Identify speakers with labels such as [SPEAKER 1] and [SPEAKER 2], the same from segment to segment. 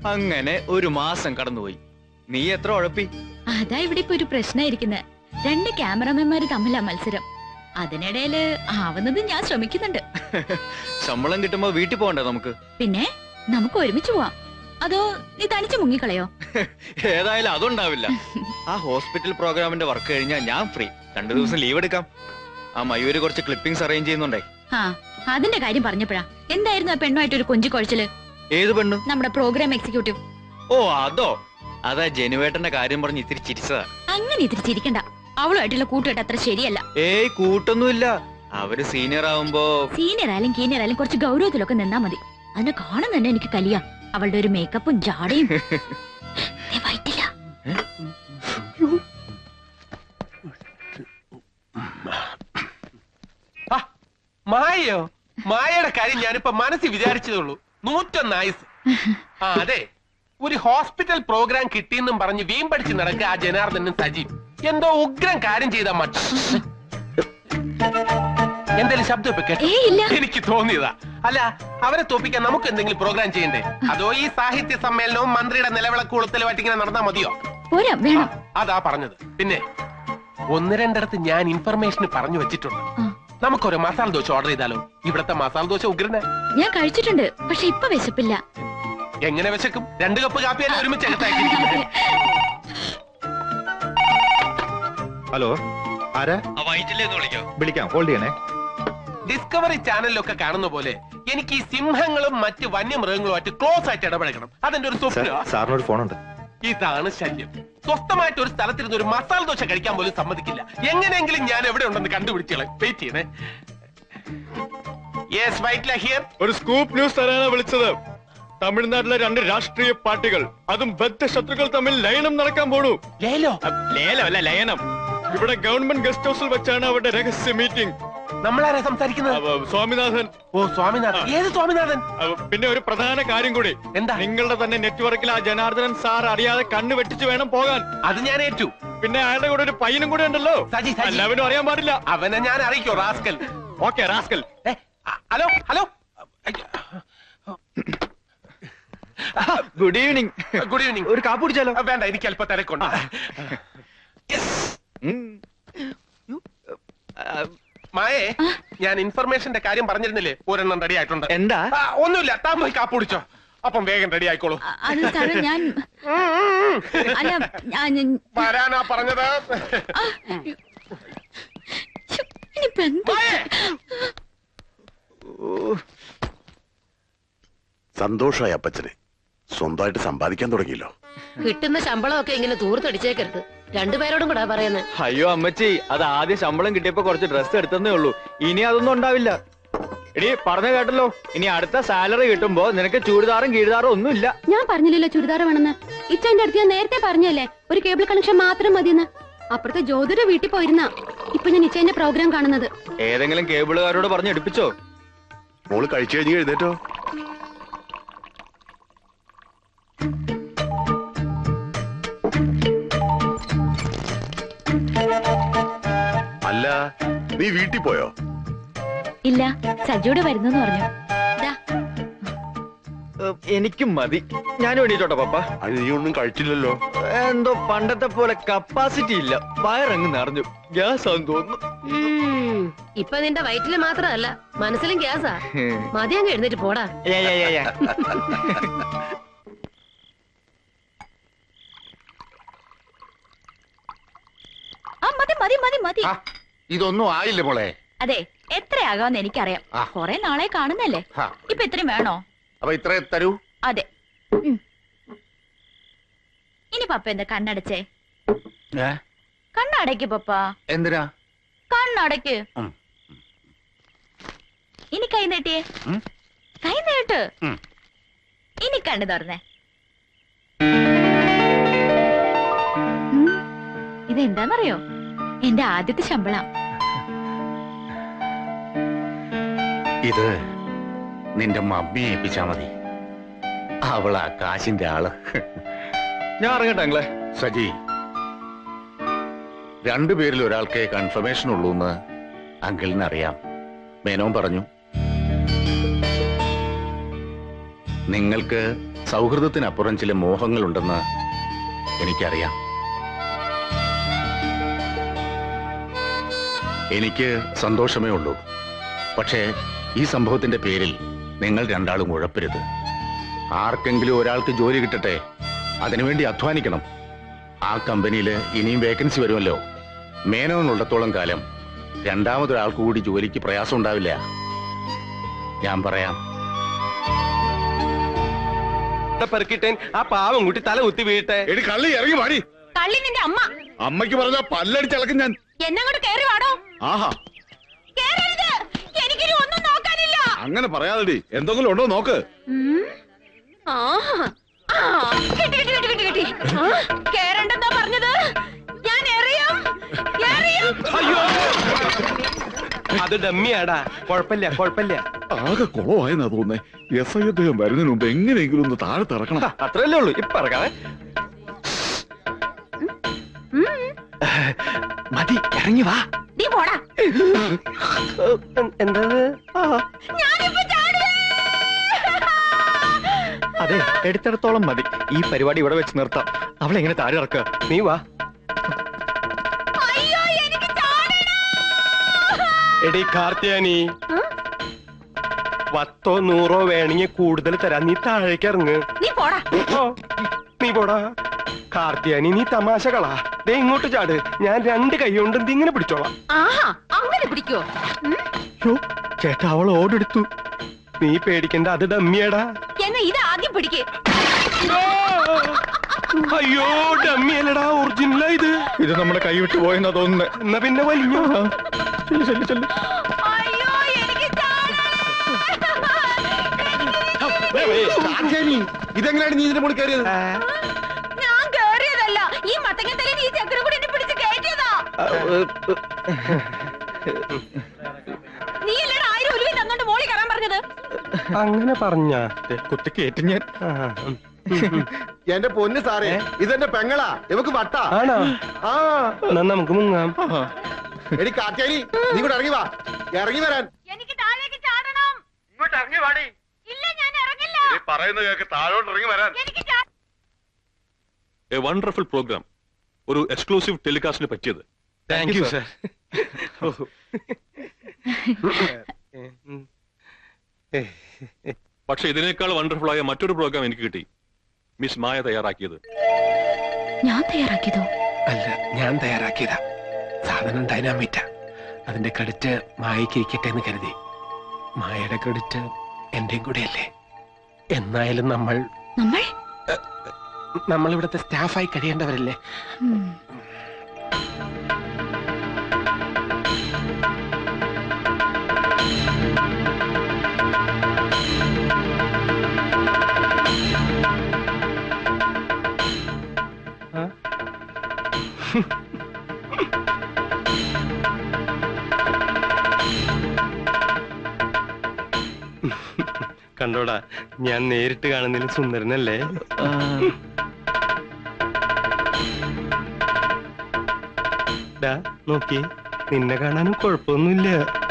[SPEAKER 1] അങ്ങനെ ഒരു മാസം കടന്നുപോയി. നീ എത്ര ഉഴപ്പി?
[SPEAKER 2] അതാ ഇവിടെ ഇപ്പൊ ഒരു പ്രശ്നമായിരിക്കുന്നത്. 2 ക്യാമറമാൻമാര് തമ്മിലാ മത്സരം. അതിനിടയില് ആവുന്നത് ഞാൻ ശ്രമിക്കുന്നുണ്ട്.
[SPEAKER 1] ശമ്പളം കിട്ടുമ്പോ വീട്ടിൽ പോകണ്ടേ നമുക്ക്?
[SPEAKER 2] പിന്നെ നമുക്ക് ഒരുമിച്ച് പോവാം. അതോ നീ തനിച്ച് മുങ്ങിക്കളയോ?
[SPEAKER 1] ഏതായാലും അതുണ്ടാവില്ല. ആ ഹോസ്പിറ്റൽ പ്രോഗ്രാമിന്റെ വർക്ക് കഴിഞ്ഞാൽ ഞാൻ ഫ്രീ. 2 ദിവസം ലീവ് എടുക്കാം. ആ മയൂര് കുറച്ച് ക്ലിപ്പിംഗ്സ് അറേഞ്ച് ചെയ്യുന്നുണ്ടേ.
[SPEAKER 2] ആ അതിന്റെ കാര്യം പറഞ്ഞപ്പോഴാ എന്തായിരുന്നു ആ പെണ്ണുമായിട്ടൊരു കൊഞ്ചി കുഴച്ചില്?
[SPEAKER 1] ഏത് പെണ്ണു?
[SPEAKER 2] നമ്മുടെ പ്രോഗ്രാം എക്സിക്യൂട്ടീവ്.
[SPEAKER 1] ഓ അതോ? അതാ ജനുവേട്ടന്റെ കാര്യം പറഞ്ഞ് ഇത്തിരി ചിരിച്ചതാ.
[SPEAKER 2] അങ്ങനെ ഇത്തിരി ചിരിക്കണ്ട. അവളുമായിട്ടുള്ള കൂട്ടുകെട്ട് അത്ര ശരിയല്ല.
[SPEAKER 1] ഏയ് കൂട്ടൊന്നുമില്ല. അവര് സീനിയർ ആവുമ്പോ
[SPEAKER 2] സീനിയർ ആയാലും കീനിയർ ആയാലും കുറച്ച് ഗൗരവത്തിലൊക്കെ നിന്നാ മതി. അതിനെ കാണുന്ന തന്നെ എനിക്ക് കലിയാ. അവളുടെ ഒരു മേക്കപ്പും ജാടയും വൈറ്റില്ല.
[SPEAKER 3] മായയോ? മായയുടെ കാര്യം ഞാനിപ്പോ മനസ്സിൽ വിചാരിച്ചതുള്ളൂ. 101 ആയുസ്. ആ അതെ, ഒരു ഹോസ്പിറ്റൽ പ്രോഗ്രാം കിട്ടിയെന്നും പറഞ്ഞ് വീമ്പടിച്ച് നടക്കുക ആ ജനാർദ്ദനും സജീവ്. എന്തോ ഉഗ്രം കാര്യം ചെയ്ത മട്ട. എന്തെങ്കിലും ശബ്ദം ഇപ്പൊ കേട്ടോ? എനിക്ക് തോന്നിയതാ. അല്ല, അവരെ തോപ്പിക്കാൻ നമുക്ക് എന്തെങ്കിലും പ്രോഗ്രാം ചെയ്യണ്ടേ? അതോ ഈ സാഹിത്യ സമ്മേളനവും മന്ത്രിയുടെ നിലവിളക്കുകൊളുത്തലുമായിട്ട് ഇങ്ങനെ നടന്നാ മതിയോ? അതാ പറഞ്ഞത്. പിന്നെ 1-2 ഞാൻ ഇൻഫർമേഷന് പറഞ്ഞു വെച്ചിട്ടുണ്ട്. നമുക്കൊരു മസാല ദോശ ഓർഡർ ചെയ്താലോ? ഇവിടത്തെ മസാല ദോശ ഉഗ്രന്.
[SPEAKER 2] ഞാൻ കഴിച്ചിട്ടുണ്ട്, പക്ഷെ ഇപ്പൊ വിശപ്പില്ല.
[SPEAKER 3] എങ്ങനെ വിശക്കും? 2 കപ്പ് കാപ്പിയല്ലേ ഒരുമിച്ച്
[SPEAKER 4] ഹലോ, ആരാ? വിളിക്കാം, ഹോൾഡ് ചെയ്യണേ.
[SPEAKER 3] ഡിസ്കവറി ചാനലിലൊക്കെ കാണുന്ന പോലെ എനിക്ക് ഈ സിംഹങ്ങളും മറ്റ് വന്യമൃഗങ്ങളുമായിട്ട് ക്ലോസ് ആയിട്ട് ഇടപഴകണം. അതിന്റെ ഒരു സ്വപ്നം.
[SPEAKER 4] സാറിനൊരു ഫോണുണ്ട്.
[SPEAKER 3] ഇതാണ് ശല്യം. സ്വസ്ഥമായിട്ട് ഒരു സ്ഥലത്തിരുന്ന് ഒരു മസാല ദോശ കഴിക്കാൻ പോലും സമ്മതിക്കില്ല. എങ്ങനെയെങ്കിലും ഞാൻ എവിടെ ഉണ്ടെന്ന് കണ്ടുപിടിച്ചോളെ. വെയിറ്റ് ചെയ്യണേ. യെസ്, വൈറ്റ്ല ഹിയർ.
[SPEAKER 1] ഒരു സ്കൂപ്പ് ന്യൂസ് തരാനാ വിളിച്ചത്. തമിഴ്നാട്ടിലെ 2 രാഷ്ട്രീയ പാർട്ടികൾ, അതും ബദ്ധശത്രുക്കൾ തമ്മിൽ ലയനം നടക്കാൻ പോണു. ലേലമല്ല, ലയനം. ഇവിടെ ഗവൺമെന്റ് ഗസ്റ്റ് ഹൗസിൽ വെച്ചാണ് അവരുടെ രഹസ്യ മീറ്റിംഗ്.
[SPEAKER 3] നമ്മളാരാ സംസാരിക്കുന്നത്?
[SPEAKER 1] സ്വാമിനാഥൻ.
[SPEAKER 3] ഓ സ്വാമിനാഥൻ. ഏത് സ്വാമിനാഥൻ?
[SPEAKER 1] പിന്നെ ഒരു പ്രധാന കാര്യം കൂടി.
[SPEAKER 3] എന്താ?
[SPEAKER 1] നിങ്ങളുടെ തന്നെ നെറ്റ്വർക്കിൽ ആ ജനാർദ്ദനൻ സാർ അറിയാതെ കണ്ണ് വെട്ടിച്ച് വേണം പോകാൻ.
[SPEAKER 3] അത് ഞാൻ ഏറ്റു.
[SPEAKER 1] പിന്നെ അയാളുടെ കൂടെ ഒരു പയ്യനും കൂടെ ഉണ്ടല്ലോ. എല്ലാവരും അറിയാൻ പാടില്ല.
[SPEAKER 3] അവനെ ഞാൻ അറിയിക്കോ rascal.
[SPEAKER 1] Okay rascal.
[SPEAKER 3] Hello hello,
[SPEAKER 1] good evening.
[SPEAKER 3] Good evening.
[SPEAKER 1] ഒരു കാപ്പ് കുടിച്ചാലോ?
[SPEAKER 3] വേണ്ട, എനിക്ക് അല്പം തിരക്കുണ്ട്. മായേ, ഞാൻ ഇൻഫർമേഷന്റെ കാര്യം പറഞ്ഞിരുന്നില്ലേ? 1 റെഡി ആയിട്ടുണ്ട്.
[SPEAKER 1] എന്താ?
[SPEAKER 3] ഒന്നുമില്ല, താൻ പോയി കാപ്പ് കുടിച്ചോ. അപ്പം വേഗം റെഡി ആയിക്കോളൂ. വരാനാ പറഞ്ഞത്.
[SPEAKER 5] സന്തോഷമായി അപ്പച്ചന്. സ്വന്തമായിട്ട് സമ്പാദിക്കാൻ തുടങ്ങിയല്ലോ.
[SPEAKER 6] കിട്ടുന്ന ശമ്പളമൊക്കെ ഇങ്ങനെ തൂർത്തടിച്ചേക്കരുത്. 2 പേരോടും കൂടാ പറയുന്നത്.
[SPEAKER 1] അയ്യോ അമ്മച്ചി, അത് ആദ്യം ശമ്പളം കിട്ടിയപ്പോ കുറച്ച് ഡ്രസ്സ് എടുത്തേ ഉള്ളൂ. ഇനി അതൊന്നും ഉണ്ടാവില്ല. എടി പറഞ്ഞു കേട്ടല്ലോ, ഇനി അടുത്ത സാലറി കിട്ടുമ്പോ നിനക്ക് ചുരിദാറും കീഴ്താറും ഒന്നും ഇല്ല.
[SPEAKER 7] ഞാൻ പറഞ്ഞില്ലല്ലോ ചുരിദാർ വേണമെന്ന്. ഇച്ചന്റെ അടുത്ത് ഞാൻ നേരത്തെ പറഞ്ഞല്ലേ ഒരു കേബിൾ കണക്ഷൻ മാത്രം മതിയെന്ന്. അപ്പുറത്തെ ജ്യോതിയുടെ വീട്ടിൽ പോയിരുന്ന ഇപ്പൊ ഞാൻ ഇച്ചന്റെ പ്രോഗ്രാം കാണുന്നത്.
[SPEAKER 1] ഏതെങ്കിലും കേബിളുകാരോട് പറഞ്ഞു എടുപ്പിച്ചോ?
[SPEAKER 5] മോള് കഴിച്ചു കഴിഞ്ഞ് എഴുന്നേറ്റോ? അല്ല, നീ വീട്ടിൽ പോയോ?
[SPEAKER 2] ഇല്ല, സജിയോടെ വരുന്നു പറഞ്ഞു.
[SPEAKER 1] എനിക്കും മതി. ഞാൻ വേണ്ടിട്ടോട്ടോ പപ്പ.
[SPEAKER 5] അത് നീ ഒന്നും കഴിച്ചില്ലല്ലോ.
[SPEAKER 1] എന്തോ പണ്ടത്തെ പോലെ കപ്പാസിറ്റി ഇല്ല. വയറങ്ങ് നിറഞ്ഞു. ഗ്യാസ് ആണെന്ന് തോന്നുന്നു.
[SPEAKER 6] ഇപ്പൊ നിന്റെ വയറ്റില് മാത്രമല്ല, മനസ്സിലും ഗ്യാസാ. മതി അങ്ങ് എഴുന്നേറ്റ് പോടാ.
[SPEAKER 5] ഇതൊന്നും ആയില്ല മോളെ.
[SPEAKER 2] അതെ, എത്രയാകാന്ന് എനിക്കറിയാം. കൊറേ നാളെ കാണുന്നല്ലേ. ഇപ്പൊ ഇത്രയും വേണോ?
[SPEAKER 5] അപ്പൊ ഇത്ര തരൂ.
[SPEAKER 2] അതെ. ഇനി പപ്പ എന്താ കണ്ണടച്ചേ? കണ്ണടയ്ക്ക് പപ്പ.
[SPEAKER 5] എന്തിനാ?
[SPEAKER 2] കണ്ണടയ്ക്ക്. ഇനി കൈ നീട്ടിയേ. കൈ നീട്ട്. ഇനി കണ്ണു തുറന്നേ. ഇതെന്താന്നറിയോ? എന്റെ ആദ്യത്തെ ശമ്പളം.
[SPEAKER 5] ഇത് നിന്റെ മമ്മിയെ ഏൽപ്പിച്ചാ മതി. അവളാ കാശിന്റെ ആള്.
[SPEAKER 1] ഞാൻ ഇറങ്ങട്ടെ
[SPEAKER 5] സജി, 2 പേരിൽ ഒരാൾക്കേ കൺഫർമേഷൻ ഉള്ളൂന്ന് അങ്കിളിന് അറിയാം. മേനോൻ പറഞ്ഞു. നിങ്ങൾക്ക് സൗഹൃദത്തിനപ്പുറം ചില മോഹങ്ങളുണ്ടെന്ന് എനിക്കറിയാം. എനിക്ക് സന്തോഷമേ ഉള്ളൂ. പക്ഷേ ഈ സംഭവത്തിന്റെ പേരിൽ നിങ്ങൾ രണ്ടാളും ഉഴപ്പരുത്. ആർക്കെങ്കിലും ഒരാൾക്ക് ജോലി കിട്ടട്ടെ, അതിനുവേണ്ടി അധ്വാനിക്കണം. ആ കമ്പനിയിൽ ഇനിയും വേക്കൻസി വരുമല്ലോ. മേനോനുള്ളിടത്തോളം കാലം രണ്ടാമതൊരാൾക്ക് കൂടി ജോലിക്ക് പ്രയാസം ഉണ്ടാവില്ല. ഞാൻ പറയാം.
[SPEAKER 3] പെറുക്കിട്ടേൻ ആ പാവം കുട്ടി തല കുത്തി വീട്ടെ.
[SPEAKER 4] എടി കള്ളി ഇറങ്ങി വാടി.
[SPEAKER 7] കള്ളി നിന്റെ അമ്മ.
[SPEAKER 4] അമ്മയ്ക്ക് പറഞ്ഞ പല്ലടിച്ചളക്കും ഞാൻ.
[SPEAKER 7] എന്നങ്ങോട്ട് കേറി വാടോ.
[SPEAKER 4] ആഹാ,
[SPEAKER 7] എനിക്കിനി ഒന്നും നോക്കാനില്ല.
[SPEAKER 4] അങ്ങനെ പറയാതെടി, എന്തെങ്കിലും ഉണ്ടോ നോക്ക്.
[SPEAKER 7] കേറണ്ടെന്നാ പറഞ്ഞത്. ഞാൻ എറിയും.
[SPEAKER 3] അയ്യോ, അത് ഡമ്മിയാടാ. കുഴപ്പമില്ല കുഴപ്പമില്ല.
[SPEAKER 4] ആകെ കുളമായെന്നാ തോന്നേ. SI അദ്ദേഹം വരുന്നതിന് മുമ്പ് എങ്ങനെയെങ്കിലും ഒന്ന് താഴെ തിറക്കണം.
[SPEAKER 1] അത്രയല്ലേ ഉള്ളൂ. ഇപ്പൊ ഇറങ്ങാതെ
[SPEAKER 3] മതി, ഇറങ്ങി വാ.
[SPEAKER 7] നീ പോടാ.
[SPEAKER 3] എന്താ?
[SPEAKER 1] അതെ, എടുത്തിടത്തോളം മതി. ഈ പരിപാടി ഇവിടെ വെച്ച് നിർത്താം. അവളെങ്ങനെ താഴെ ഇറക്കുക?
[SPEAKER 3] നീ വാ. എടി കാർത്തിയാനി, 10 100 വേണമെങ്കിൽ കൂടുതൽ തരാം. നീ താഴേക്ക് ഇറങ്ങ്.
[SPEAKER 7] നീ പോടാ.
[SPEAKER 3] നീ പോടാ. കാർത്തിയാനി, നീ തമാശകളാ. ദേ ഇങ്ങോട്ട് ചാട്. ഞാൻ 2 കൈ കൊണ്ട് ഇങ്ങനെ പിടിച്ചോളാം.
[SPEAKER 7] ആഹാ, അങ്ങനെ പിടിക്കോ?
[SPEAKER 3] ചേട്ടാ, അവൾ ഓടെടുത്തു. നീ പേടിക്കണ്ട, അത് ഡമ്മിയാടാ.
[SPEAKER 7] എന്നാ ഇത് ആദ്യം പിടിക്കേ.
[SPEAKER 3] അയ്യോ, ഡമ്മിയല്ലടാ, ഒറിജിനലാ ഇത്.
[SPEAKER 1] ഇത് നമ്മുടെ കൈ വിട്ടു പോയെന്നാ തോന്നുന്നത്.
[SPEAKER 3] എന്നാ പിന്നെ വലിഞ്ഞോ.
[SPEAKER 7] അയ്യോ, എനിക്ക്
[SPEAKER 4] ഇതെങ്ങനെയാണ് നീ ഇതിന്റെ മുകളിൽ കയറിയത്?
[SPEAKER 7] ഞാൻ കേറിയതല്ല. ഈ മത്തങ്ങത്തലേ ഈ ചക്കര കൂടി എന്നെ പിടിച്ച് കയറ്റിയതാ. നീ അല്ലടാ 1000 ഉലുവി തന്നോണ്ട് മോളി കയറാൻ പറഞ്ഞത്.
[SPEAKER 3] അങ്ങനെ പറഞ്ഞ
[SPEAKER 1] കുത്തി കയറ്റി ഞാൻ.
[SPEAKER 4] എന്റെ പൊന്ന് സാറേ, ഇതെന്റെ പെങ്ങളാ. ഇവക്ക് വട്ടാ.
[SPEAKER 3] ആണോ?
[SPEAKER 4] ആ,
[SPEAKER 3] എന്നാ നമുക്ക് മുങ്ങാം.
[SPEAKER 4] എടി കാറ്റാനി, നീ കൂടെ ഇറങ്ങി വാ. ഇറങ്ങി വരാൻ.
[SPEAKER 7] എനിക്ക് താഴേക്ക് ചാടണം.
[SPEAKER 4] ഇങ്ങോട്ട് ഇറങ്ങി വാടി.
[SPEAKER 7] ഇല്ല, ഞാൻ ഇറങ്ങില്ല.
[SPEAKER 4] പറയുന്നത് കേൾക്ക്, താഴോട്ട് ഇറങ്ങി വരാൻ.
[SPEAKER 7] എനിക്ക്
[SPEAKER 8] എ വണ്ടർഫുൾ പ്രോഗ്രാം. ഒരു എക്സ്ക്ലൂസീവ് ടെലികാസ്റ്റിന് പറ്റിയത്.
[SPEAKER 3] Thank you sir.
[SPEAKER 8] പക്ഷെ ഇതിനേക്കാൾ വണ്ടർഫുൾ ആയ മറ്റൊരു പ്രോഗ്രാം എനിക്ക് കിട്ടി. മിസ് മായ തയ്യാറാക്കിയത്.
[SPEAKER 2] ഞാൻ തയ്യാറാക്കിയതോ?
[SPEAKER 3] അല്ല, ഞാൻ തയ്യാറാക്കിയതാ. സാധനം ഡൈനാമിറ്റാ. അതിന്റെ ക്രെഡിറ്റ് മായയ്ക്ക് ഇരിക്കട്ടെ എന്ന് കരുതി. മായയുടെ ക്രെഡിറ്റ് എന്റെയും കൂടെയല്ലേ. എന്നായാലും നമ്മൾ ഇവിടുത്തെ സ്റ്റാഫായി കഴിയേണ്ടവരല്ലേ. കണ്ടോടാ, ഞാൻ നേരിട്ട് കാണുന്നതിൽ സുന്ദരനല്ലേ? നോക്കി, നിന്നെ കാണാനും കുഴപ്പമൊന്നുമില്ല.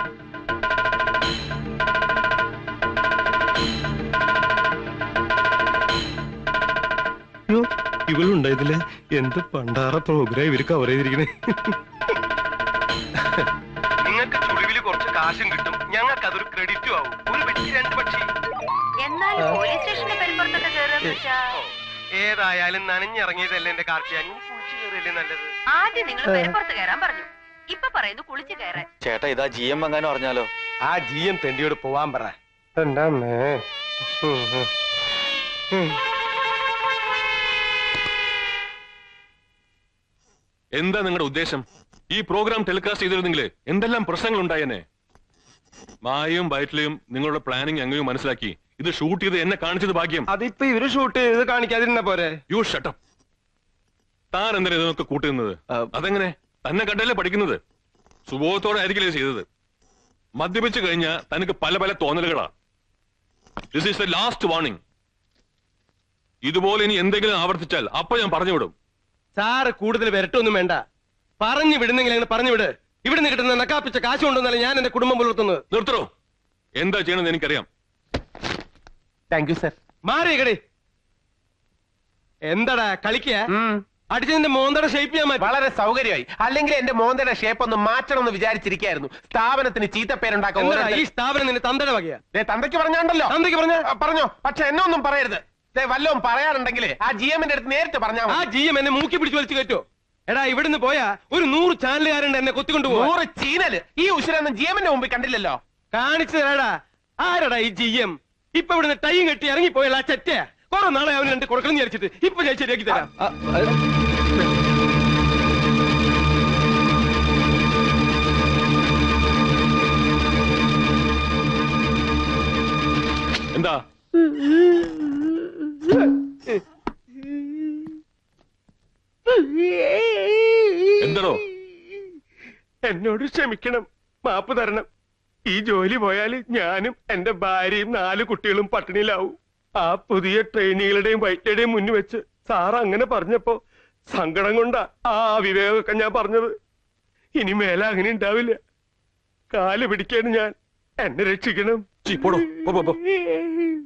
[SPEAKER 3] ഇവളുണ്ടോ ഇതില്? എന്ത് പണ്ടാറ പ്രോഗ്രാം ഇവര് കവർ ചെയ്തിരിക്കണേ. നിങ്ങൾക്ക് ചുളിവില് കുറച്ച് കാശും കിട്ടും, ഞങ്ങൾക്ക് അതൊരു ക്രെഡിറ്റും ആവും. ഒരു പക്ഷി 2 പക്ഷി. ഏതായാലും നനഞ്ഞിറങ്ങിയതല്ലേ എന്റെ കാർത്തിയാനി. കുളിച്ചു കയറിയല്ലേ നല്ലത്.
[SPEAKER 6] ആദ്യം നിങ്ങൾ പെരപ്പുറത്ത് കയറാൻ പറഞ്ഞു. ഇപ്പൊ പറയുന്നു കുളിച്ചു കയറാൻ.
[SPEAKER 1] ചേട്ടാ, ഇതാ GM എങ്ങാനും അറിഞ്ഞാലോ?
[SPEAKER 3] ആ GM തെണ്ടിയോട് പോവാൻ പറ. എന്താ
[SPEAKER 8] എന്താ നിങ്ങളുടെ ഉദ്ദേശം? ഈ പ്രോഗ്രാം ടെലികാസ്റ്റ് ചെയ്തിരുന്നെങ്കിൽ എന്തെല്ലാം പ്രശ്നങ്ങൾ ഉണ്ടായേനെ. മായയും ബൈറ്റിലെയും നിങ്ങളുടെ പ്ലാനിങ് അങ്ങനെയും മനസ്സിലാക്കി ഇത് ഷൂട്ട് ചെയ്ത് എന്നെ കാണിച്ചത് ഭാഗ്യം.
[SPEAKER 3] അതിപ്പോ ഇവര് ഷൂട്ട് ചെയ്ത് കാണിക്കാതിരുന്ന പോരെ?
[SPEAKER 8] You shut up. താൻ എന്തിനാ ഇതൊക്കെ കൂട്ടുന്നത്? അതെങ്ങനെ? തന്നെ കണ്ടല്ലേ പഠിക്കുന്നത്. സുബോധത്തോടെ ആയിരിക്കില്ലേ ചെയ്തത്. മദ്യപിച്ചു കഴിഞ്ഞാൽ തനിക്ക് പല പല തോന്നലുകളാ. This is the last warning. ഇതുപോലെ ഇനി എന്തെങ്കിലും ആവർത്തിച്ചാൽ അപ്പൊ ഞാൻ പറഞ്ഞു വിടും.
[SPEAKER 3] സാറ് കൂടുതൽ വരട്ടൊന്നും വേണ്ട. പറഞ്ഞു വിടുന്നെങ്കിൽ അങ്ങനെ പറഞ്ഞു വിട്. ഇവിടുന്ന് കിട്ടുന്ന നക്കാപ്പിച്ച കാശ് കൊണ്ടൊന്നല്ല ഞാൻ എന്റെ കുടുംബം പുലർത്തുന്നത്.
[SPEAKER 8] നിർത്തണോ? എന്താ ചെയ്യണമെന്ന് എനിക്കറിയാം.
[SPEAKER 3] Thank you sir.
[SPEAKER 9] മാറിയകടേ. എന്താടാ കളിക്ക? അടിച്ചതിന്റെ മോന്തയുടെ ഷേപ്പ് ചെയ്യാൻ പറ്റും.
[SPEAKER 3] വളരെ സൗകര്യമായി. അല്ലെങ്കിൽ എന്റെ മോന്തയുടെ ഷേപ്പ് ഒന്ന് മാറ്റണം എന്ന് വിചാരിച്ചിരിക്കായിരുന്നു. സ്ഥാപനത്തിന് ചീത്തപ്പേരുണ്ടാക്കാൻ.
[SPEAKER 9] ഈ സ്ഥാപനം നിന്റെ തന്തയുടെ വകയാ.
[SPEAKER 3] തന്തയ്ക്ക് പറഞ്ഞാണ്ടല്ലോ.
[SPEAKER 9] തന്തയ്ക്ക്
[SPEAKER 3] പറഞ്ഞോ. പക്ഷെ എന്നെ ഒന്നും പറയരുത്. വല്ലതും പറയാനുണ്ടെങ്കിൽ ആ ജി എമ്മിന്റെ അടുത്ത് നേരിട്ട് പറഞ്ഞാൽ.
[SPEAKER 9] ആ ജി എം എന്നെ മൂക്കി പിടിച്ച് വലിച്ചു കയറ്റോ? എടാ ഇവിടുന്ന് പോയാ ഒരു 100 ചാനലുകാരുണ്ട് എന്നെ കൊത്തിക്കൊണ്ടു പോകും.
[SPEAKER 3] 100 ചീനല്. ഈ ഉശിരൊന്നും ജി എമ്മിന്റെ മുമ്പിൽ കണ്ടില്ലല്ലോ.
[SPEAKER 9] കാണിച്ചു തരാടാ. ആരടാ ഈ ജി എം? ഇപ്പൊ ഇവിടുന്ന് ടൈം കെട്ടി ഇറങ്ങി പോയല്ല ചെറ്റ. കുറെ നാളെ അവന് 2 കൊടുക്കണം വിചാരിച്ചിട്ട് ഇപ്പൊ ഞാൻ ശരിയാക്കി തരാം.
[SPEAKER 8] എന്താ എന്തോ?
[SPEAKER 9] എന്നോട് ക്ഷമിക്കണം, മാപ്പ് തരണം. ഈ ജോലി പോയാല് ഞാനും എന്റെ ഭാര്യയും 4 കുട്ടികളും പട്ടിണിയിലാവും. ആ പുതിയ ട്രെയിനികളുടെയും വൈറ്റയുടെയും മുന്നിൽ വെച്ച് സാറ് അങ്ങനെ പറഞ്ഞപ്പോ സങ്കടം കൊണ്ടാ ആ വിവേകമൊക്കെ ഞാൻ പറഞ്ഞത്. ഇനി മേലെ അങ്ങനെ ഉണ്ടാവില്ല. കാല് പിടിക്കാണ് ഞാൻ. എന്നെ രക്ഷിക്കണം.
[SPEAKER 8] പോടോ.